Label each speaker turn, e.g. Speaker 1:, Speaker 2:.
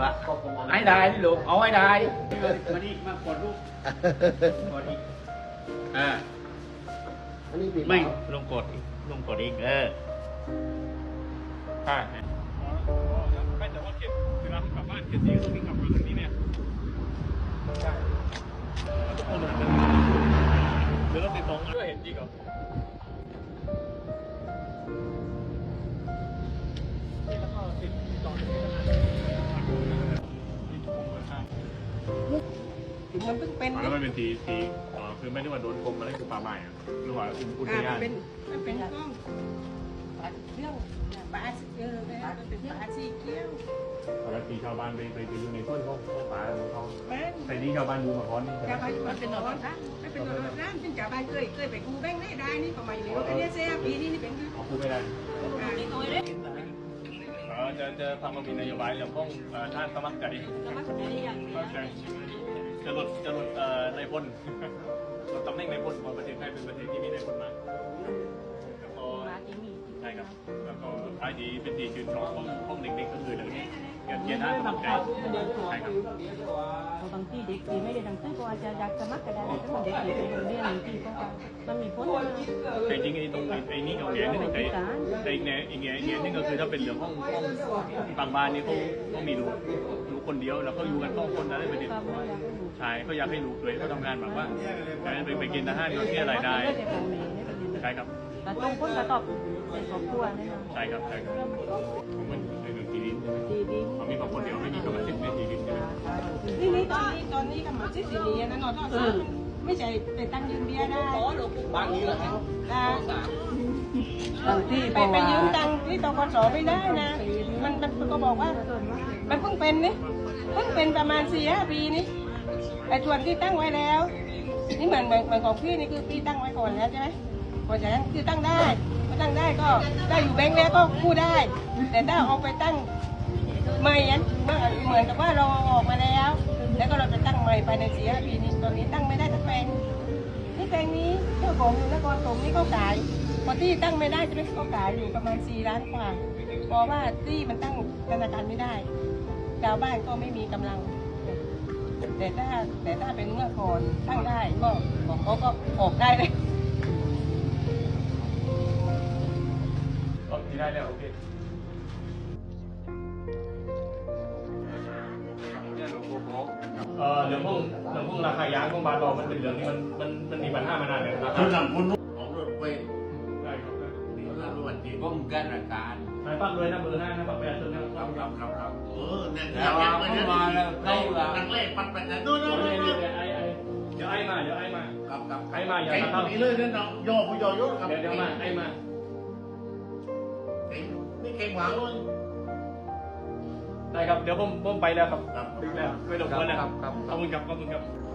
Speaker 1: ว่าไอ้ได้นี่ลูกเอาไอ้ได้มานี่มากดลูกกดอีก
Speaker 2: อันนี้ปิด
Speaker 1: ไม่ลงกดอีกใช่ไม่แต่ว่าเก็บเวลากลับบ้านเก็บสีก็ต้องวิ่งกลับมาทางนี้เนี่ยใช่ทุกคนเหมือนกันหรือเราติดตรงก็เห็นจริงเหรอแล้วก็ติดต่อ
Speaker 3: มันเพิ่งเป็น
Speaker 1: แล้วมันเป็นทีคือไม่ได้ว่าโดนกรมอะไรคือป่าไม้หรือว่าอุทยาน
Speaker 3: มันเป็นกล้องเรื่องปลามันเป็นปลาสีเขียว
Speaker 1: ปกติชาวบ้านไปอยู่ในต้นเขาป่าของเขา
Speaker 3: แม่น
Speaker 1: แต่นี่ชาวบ้านดูมาก่อน
Speaker 3: ชาวบ้านมันเป็นหนอนนะไม่เป็นหนอนร้านเป็นชาวบ้านเคยไปกูแบงค์ได้นี่ประมาณนี้อันนี้เสียปีนี้นี่เป็นคือ
Speaker 1: เอาพูดไม่ได้จะทำมามีนโยบายเรื่องของท่านสมัครใจจะลดในพลลดตำแหน่งในพลของประเทศไทยเป็นประเทศที่มีในพลมากแล้วก็ใช่ครับแล้วก็ท้ายดีเป็นที่ชื่นชอบของเด็กๆก็คือเรื่องนี้เกียรติท่านสมัครใจใช่ครับ
Speaker 4: บางทีเด็กที่ไม่ได้ดังซึ่งก็อาจจะอยากสมัครก็ได้แต่เด็กที่ไปโรงเรียนที่ก็มันมีผลนะ
Speaker 1: แต่จริงไอ้ตรงไอ้นี่กับแง่นี่แต่อีกแง่นี่ก็คือถ้าเป็นเรื่องของบางบ้านนี่เขามีลูกคนเดียวแล้วก็อยู่กันต้องคนนั้นไม่ได้ใช่ก็อยากให้ลูกด้วยเขาทำงานแบบว่าไปกินอาหารก็เที่ยวรายได้ใช่ครับ
Speaker 4: แต่ตรงคนกระตอบในครอบครัวนี่นะ
Speaker 1: ใช่ครับของมันในเรื่องที่ดินเขามีบางคนเดียวไม่มีกรรมสิทธิ์ในที่ดินใช่ไหม
Speaker 3: นี่ตอนนี้กำลังซิสีนี้นะนอนทอดไม่ใช่ไปตั้งยืมเบียร์ได้
Speaker 2: บ้านนี้เหรอครับ
Speaker 3: ไปยืมตังค์ที่ตกสไม่ได้นะมันก็บอกว่ามันเพิ่งเป็นนี่เพิ่งเป็นประมาณ4-5 ปีนี่ไอ้ส่วนที่ตั้งไว้แล้วนี่เหมือนของพี่นี่คือพี่ตั้งไว้ก่อนแล้วใช่ไหมเพราะฉะนั้นคือตั้งได้ก็ได้อยู่แบงค์แล้วก็กู้ได้แต่ถ้าเอาไปตั้งใหม่เหมือนกับว่าเราออกมาแล้วก็เราจะตั้งใหม่ภายใน4-5 ปีนี้ตอนนี้ตั้งไม่ได้ทั้งแปลงนี่แปลงนี้เจ้าของอยู่นครปฐมนี่ก็ขายพอที่ตั้งไม่ได้จะก็ขายอยู่ประมาณ4 ล้านกว่าเพราะว่าที่มันตั้งธนาคารไม่ได้ชาวบ้านก็ไม่มีกำลังแต่ถ้าเป็นเมื่อก่อนตั้งได้ก็เขาก็ออกได้เลย
Speaker 1: ก็ที่ได้แล้วโอเคเรื่องพวกราคายางของบ้านเรามันเป็นเรื่องที่มันมีปัญหามานานแล้วนะครับ
Speaker 2: คือนำคนของรถเวท
Speaker 1: ได้ครับ
Speaker 2: นี่ก็รถที่ก้มแก้ราการ
Speaker 1: นายปักเลยนะเบอร์ 5นะปักไปอันนึง
Speaker 2: ครับเนี่ยเข้ามาแล้วเข้าละนักเล่ปัดปัดนะนู่น
Speaker 1: เดี๋ยวไอ้มา
Speaker 2: ครับ
Speaker 1: ไอ้มาอย่าทำ
Speaker 2: นี้เลยนั่นเนาะย่อผู้ย่อยครับ
Speaker 1: เดี๋ยวมาไอ้มา
Speaker 2: นี่เก่งหวังเลย
Speaker 1: ได้ครับเดี๋ยวผมไปแล้วครับไม่หลบกวนนะครับขอบคุณครับ